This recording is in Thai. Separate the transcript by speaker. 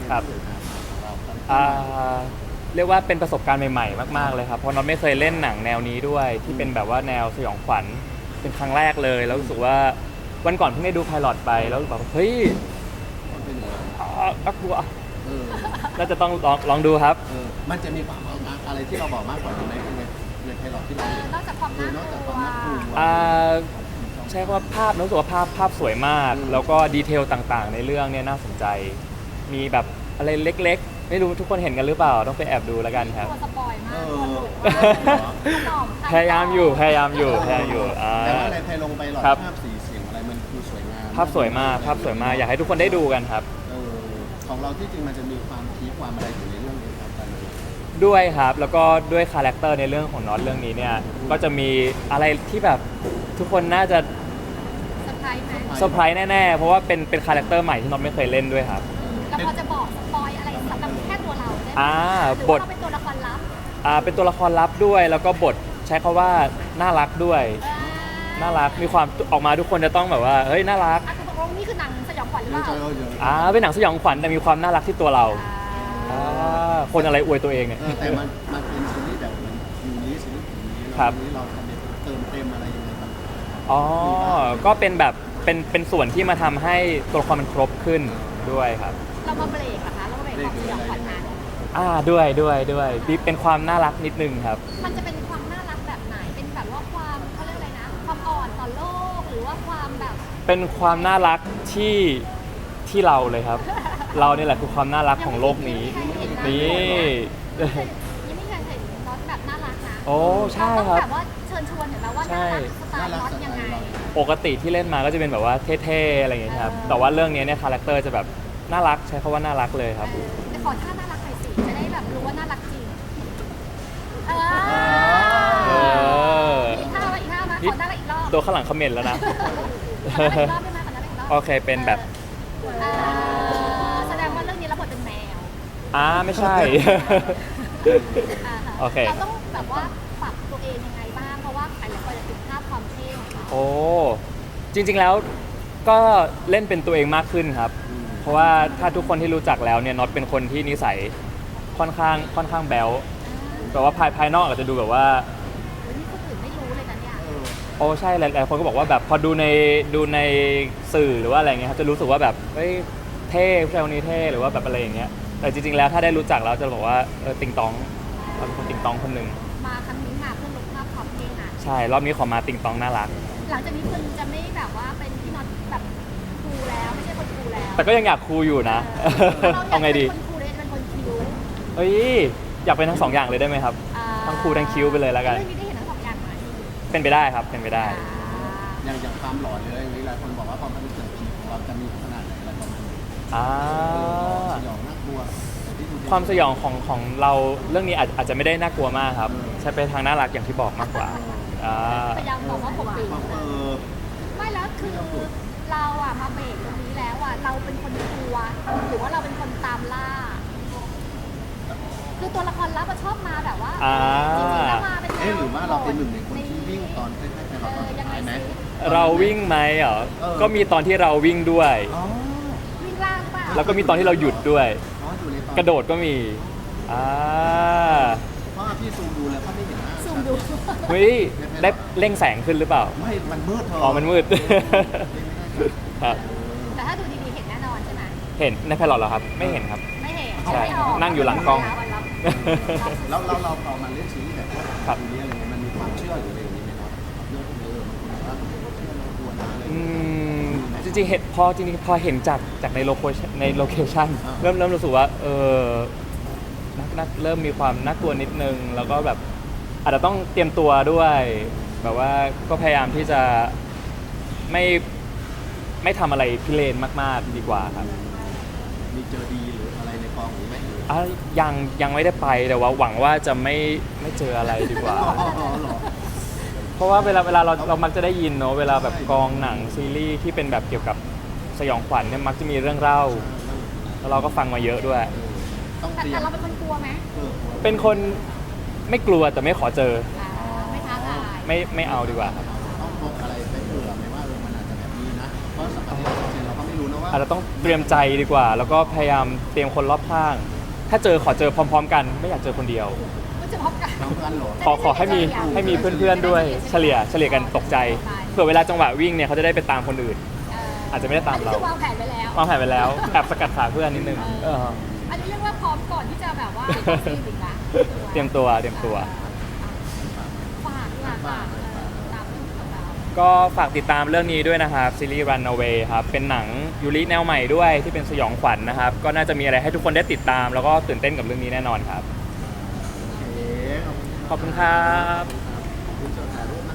Speaker 1: ครับ
Speaker 2: างครับเราครับ
Speaker 1: อ่าเรียกว่าเป็นประสบการณ์ใหม่ๆมากๆเลยครับเพราะน็อตไม่เคยเล่นหนังแนวนี้ด้วยที่เป็นแบบว่าแนวสยองขวัญเป็นครั้งแรกเลยแล้วรู้สึกว่าวันก่อนเพิ่งได้ดูไพลอตไปแล้วแบบเฮ้ย
Speaker 2: มันเป็นยังไง
Speaker 1: น่ากลัว
Speaker 2: เออ
Speaker 1: น่าจะต้องลองดูครับ
Speaker 2: มันจะมีความอะไรที่เราบอกมากกว่านี้ไหมในไพลอตที่เราเห็น
Speaker 3: นอกจากความน่า
Speaker 2: นอก
Speaker 3: ก
Speaker 2: จาก
Speaker 3: ลั
Speaker 2: ความน่ากลัว
Speaker 1: อ่าใช่ว่าภาพรู้สึกว่าภาพสวยมาก แล้วก็ดีเทลต่างๆ ในเรื่องเนี่ยน่าสนใจ มีแบบอะไรเล็กๆ ไม่รู้ทุกคนเห็นกันหรือเปล่าต้องไปแอบดูแล้วกันครับ
Speaker 3: ตัวสปอยมาก
Speaker 2: เออ
Speaker 3: ตัวหลุดมาก
Speaker 1: พยายามอยู่
Speaker 2: แต่ว่าในไพลงไปหลอด
Speaker 1: ครับ
Speaker 2: ภาพสีเสียงอะไรมันคือสวยงาม
Speaker 1: ภาพสวยมากอยากให้ทุกคนได้ดูกันครับ
Speaker 2: ของเราที่จริงมันจะมีความพีคความอะไรอยู่ในเรื่องนี้ครับกัน
Speaker 1: ด้วยครับแล้วก็ด้วยคาแรคเตอร์ในเรื่องของน็อตเรื่องนี้เนี่ยก็จะมีอะไรที่แบบทุกคนน่าจะ
Speaker 3: เซอร์ไพรส์ไหม
Speaker 1: เซอร์ไพรส์แน่ๆเพราะว่าเป็นคาแรคเตอร์ใหม่ที่น็อตไม่เคยเล่นด้วยครับ
Speaker 3: แล้วพอจะบอกสปอยอะไรสำหรับแค่ตัวเราได้ไหม
Speaker 1: อ่า
Speaker 3: หรือบ
Speaker 1: ท
Speaker 3: ว่าเป็นตัวละครลับ
Speaker 1: เป็นตัวละครลับด้วยแล้วก็บทใช้คำว่าน่ารักด้วยน่ารักมีความออกมาทุกคนจะต้องแบบว่าเฮ้ยน่ารัก
Speaker 3: คือตกลงนี่คือหนังสยองขวัญหรือเปล่า
Speaker 1: เป็นหนังสยองขวัญแต่มีความน่ารักที่ตัวเราคนอะไรอวยตัวเองเนี่ย
Speaker 2: แต่มันเป็นซีรีส์แบบเหมือนอยู่นี้ซีรีส์อยู่นี้
Speaker 1: ครับ
Speaker 2: นี้เราทำเติมเต็มอะไรยังไงบ้าง
Speaker 1: อ๋อก็เป็นแบบเป็นส่วนที่มาทำให้ตัวละครมันครบขึ้นด้วยครับ
Speaker 3: เรามาเบรกเหรอคะเรามาเบรกความสยองขวัญนั้น
Speaker 1: ด้วยเป็นความน่ารักนิดนึงครับ
Speaker 3: มันจะเป็นความน่ารักแบบไหนเป็นแบบว่าความเขาเรียกอะไรนะความอ่อนต่อโลกหรือว่าความแบบ
Speaker 1: เป็นความน่ารักที่เราเลยครับ เราเนี่ยแหละคือความน่ารักของโลกนี้นี่
Speaker 3: ยังไม่เคยเห็นน็อตแบบน่ารักนะ
Speaker 1: โอ้ใช่ครับ
Speaker 3: เาต้องแบบว่าเชิญชวนเห็นไหมว่าน่ารักสไตล์น็อตยังไง
Speaker 1: ปกติที่เล่นมาก็จะเป็นแบบว่าเท่ๆอะไรอย่างเงี้ยครับแต่ว่าเรื่องนี้เนี่ยคาแรคเตอร์จะแบบน่ารักใช้คำว่าน่ารักเลยครับ
Speaker 3: แต่ขอท่าน่ารักหน่อยสิจะได้แบบรู้ว่าน่ารักจริงอีกท่าไหมอีกท่าไหมขอน่ารักอีกรอบ
Speaker 1: ตัวข้างหลังคอมเมนต์แล้วนะ
Speaker 3: ขอน่ารักอีกรอบได้ไหมขอน่ารักอีกรอบ
Speaker 1: โอเคเป็นแบบ
Speaker 3: แสดงว่าเรื่องนี้รับบทเป็นแมว
Speaker 1: ไม่ใช่ โอเค
Speaker 3: เราต้องแบบว่าปรับตัวเองยังไงบ้างเพราะว่าหลายคนจะติดภาพความเท่ของเรา
Speaker 1: โอ้จริงๆแล้วก็เล่นเป็นตัวเองมากขึ้นครับ เพราะว่าถ้าทุกคนที่รู้จักแล้วเนี่ยน็อตเป็นคนที่นิสัยค่อนข้างแบ๊วแต่ว่าภายนอกอาจจะดูแบบว่า
Speaker 3: นี่คนอื่นไม่รู้เลยนะเนี่ย
Speaker 1: โอ้ใช่หลายๆคนก็บอกว่าแบบพอดูในสื่อหรือว่าอะไรเงี้ยครับจะรู้สึกว่าแบบเฮ้ยเท่ผู้ชายคนนี้เท่หรือว่าแบบอะไรอย่างเงี้ยแต่จริงๆแล้วถ้าได้รู้จักแล้วจะบอกว่าติงตองเราเป็นคนติงตองคนหนึ่ง
Speaker 3: มาครั้งนี้มาเพื่อลดภาพความเท่นะ
Speaker 1: ใช่รอบนี้ขอมาติงตองน่ารัก
Speaker 3: หลังจากนี้คุณจะไม่แบบว่าเป็นพี่น็อตแบบคูลแล้วไม่ใช่คนคูลแล้ว
Speaker 1: แต่ก็ยังอยากคูลอยู่นะ เอาไงดี
Speaker 3: เป็นคนคูลเลยเป็นคนคิ้ว
Speaker 1: เฮ้ยอยากเป็นทั้งสองอย่างเลยได้ไหมครับ ทั้งคูลทั้งคิ้วไปเลยแล้วกัน
Speaker 3: เรื่องนี้ได้เห็นทั้งสองอย่างไหม
Speaker 1: เป็นไปได้ครับเป็นไปได้
Speaker 2: อย่างความหลอนเลยอย่างนี้หลายคนบอกว่าความเป็นเกิดผีของเราจะมีขนาดไหนอะไรประมาณนี้
Speaker 1: อ่า
Speaker 2: สยองน่ากลัว
Speaker 1: ความสยองของเราเรื่องนี้อาจจะไม่ได้น่ากลัวมากครับ ใช้ไปทางน่ารักอย่างที่บอกมากกว่าอ่า
Speaker 3: พยายามบอกว่าผมปิดไม่แล้วคือเราอะมาเบรกตรงนี้แล้วอะเราเป็นคนกลัวหรือว่าเราเป็นคนตามล่า คือตัวละครลับอะชอบมาแบบว่าจริงๆแล้วมาเป็น
Speaker 2: หรือว่าเราเป็นหนึ่งในคนที่วิ่งตอนใกล้ๆไปเราตอนสุดท้ายไหม
Speaker 1: เราวิ่งไหมเหรอก็มีตอนที่เราวิ่งด้วย
Speaker 3: วิ่งล่างป่ะ
Speaker 1: แล้วก็มีตอนที่เราหยุดด้วย
Speaker 2: อยู่ในตอน
Speaker 1: กระโดดก็มีอ่า
Speaker 2: เพราะพี่ซูมดูแล้วเขาไม่เห็นหน้า
Speaker 3: ซูมดู
Speaker 1: เฮ้ยได้เร่งแสงขึ้นหรือเปล่า
Speaker 2: ไม่มันมืดเธอ
Speaker 1: อ๋อมันมืด ครับ
Speaker 3: แต่ถ้าดูดีๆเห็นแน่นอนใช่ไหม
Speaker 1: เห็นในไพลอตเหรอครับ ไม่เห็นครับ
Speaker 3: ไม่เห็น
Speaker 1: ใช่
Speaker 3: ไม่ออก
Speaker 1: นั่งอยู่หลังกล้อง
Speaker 2: แล้วเราพอมาเล่นซีรีส์แบบว่า
Speaker 1: ครับ
Speaker 2: นี้อะไรเงี้ยมันมีความเชื่อหรืออะไรอย่างนี้ไหมเนาะเรื่องพวกนี้บางคนบอกว่าเชื่อเราควรนะอะไร
Speaker 1: จริงๆพอเห็นจากในโลเคชั่นเริ่มรู้สึกว่านักเริ่มมีความน่ากลัวนิดนึงแล้วก็แบบอาจจะต้องเตรียมตัวด้วยแบบว่าก็พยายามที่จะไม่ทำอะไรพิเรนมากๆดีกว่าครับ
Speaker 2: มีเจอดีหรืออะไรในกองหรือไม่
Speaker 1: ยังไม่ได้ไปแต่ว่าหวังว่าจะไม่เจออะไรดีกว่า
Speaker 2: หรอ
Speaker 1: เพราะว่าเวลาเรามักจะได้ยินเนาะเวลาแบบกองหนังซีรีส์ที่เป็นแบบเกี่ยวกับสยองขวัญเนี่ยมักจะมีเรื่องเล่าแล้วเราก็ฟังมาเยอะด้วย
Speaker 2: ต้องเตรีย
Speaker 3: แต่
Speaker 2: ม
Speaker 3: เราเป็นคนกลัวไหม
Speaker 1: เป็นคนไม่กลัวแต่ไม่ขอเจอ
Speaker 3: ไม่ท้าทาย
Speaker 1: ไม่เอาดีกว่าครับ
Speaker 2: ต้องพกอะไรไปเผื่อไหมว่ามันอาจจะแบบนี้นะเพราะสัปดาห์ที่เราไม่รู้นะว่า
Speaker 1: อาจจะต้องเตรียมใจดีกว่า แล้วก็พยายามเตรียมคนรอบข้าง ถ้าเจอขอเจอพร้อมๆกันไม่อยากเจอคนเดียว
Speaker 3: มันจะพบกัน
Speaker 2: น้องเพื่อนเหรอ
Speaker 1: ขอให้มีเพื่อนๆด้วยเฉลี่ยกันตกใจเผื่อเวลาจังหวะวิ่งเนี่ยเขาจะได้ไปตามคนอื่น อาจจะไม่ได้ตามเรา
Speaker 3: อันนี้คือวางแผนไปแล้ว
Speaker 1: วางแผนไปแล้วแอบสกัดขาเพื่อนนิดนึงเออ
Speaker 3: อันนี้เรียกว่าพร้อมก่อนที่จะแบบว่าเข้าซีนอีกละ
Speaker 1: เตรียมตัว
Speaker 3: ฝากตามเรื่องของเรา
Speaker 1: ก็ฝากติดตามเรื่องนี้ด้วยนะครับซีรีส์ Runaway ครับเป็นหนังยูริแนวใหม่ด้วยที่เป็นสยองขวัญนะครับก็น่าจะมีอะไรให้ทุกคนได้ติดตาม แล้วก็ตื่นเต้นกับเรื่องนี้แน่นอนครับ
Speaker 2: โอเค
Speaker 1: ขอบคุณครับ
Speaker 2: ขอบคุณเจ้าถ่ายรูป